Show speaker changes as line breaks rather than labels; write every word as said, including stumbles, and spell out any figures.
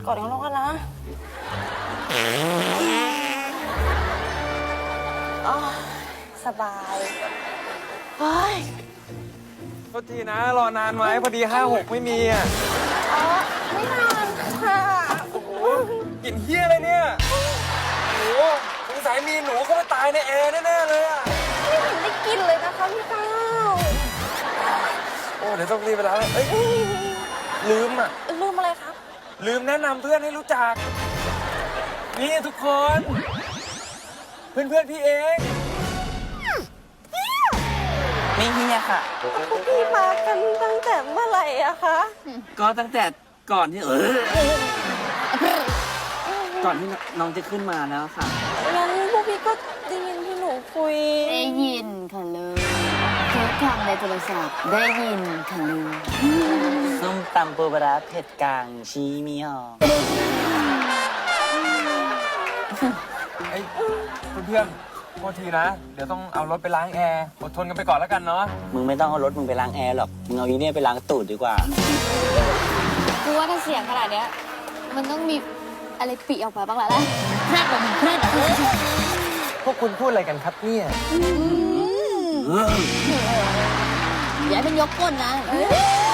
อดกันแล้วกันนะอ๋อสบายเฮ้ย
โทษทีนะ รอนานไหมพอดีห้าหกไม่มีอ่ะ
อ๋อไม่นานค่ะ
กลิ่นเฮี้ยอะไรเนี่ยโอ้โหสงสัยมีหนูเข้ามาตายในแอร์แน่ๆเลยอ่ะ
ไม่เห็นได้กินเลยนะคะพี่ก้าว
โอ้เดี๋ยวต้องรีบไปแล้วเอ้ยลืมอ่ะ
ลืมอะไรครับ
ลืมแนะนำเพื่อนให้รู้จัก นี่ทุกคน เพื่อนเพื่อนๆพี่เอง
ไม่เฮียค่ะ
พวกพี่มากันตั้งแต่เมื่อไหร่อะคะ
ก็ตั้งแต่ก่อนที่เออก่อนที่น้องจะขึ้นมาแล้วค่ะ
งั้นพวกพี่ก็ได้ยินที่หนูคุย
ได้ยินค่ะเลยทุกคำในโทรศัพท์ได้ยินค่ะเลย
ส้มตำปูปลาร้าเผ็ดกลางชี้มีหอม
ไอ้เพื่อนๆโทษทีนะ เดี๋ยวต้องเอารถไปล้างแอร์อดทนกันไปก่อนแล้วกันเนาะ
มึงไม่ต้องเอารถมึงไปล้างแอร์หรอก มึงเอาอีเนี่ยไปล้างตูดดีกว่า
คือว่าถ้าเสียงขนาดเนี้ยมันต้องมีอะไรปีออกมาบ้างแล้วแหละแครดแบบแครด
พวกคุณพูดอะไรกันครับเนี่ย
อย่าให้มันยกก้นนะ
เอ้ย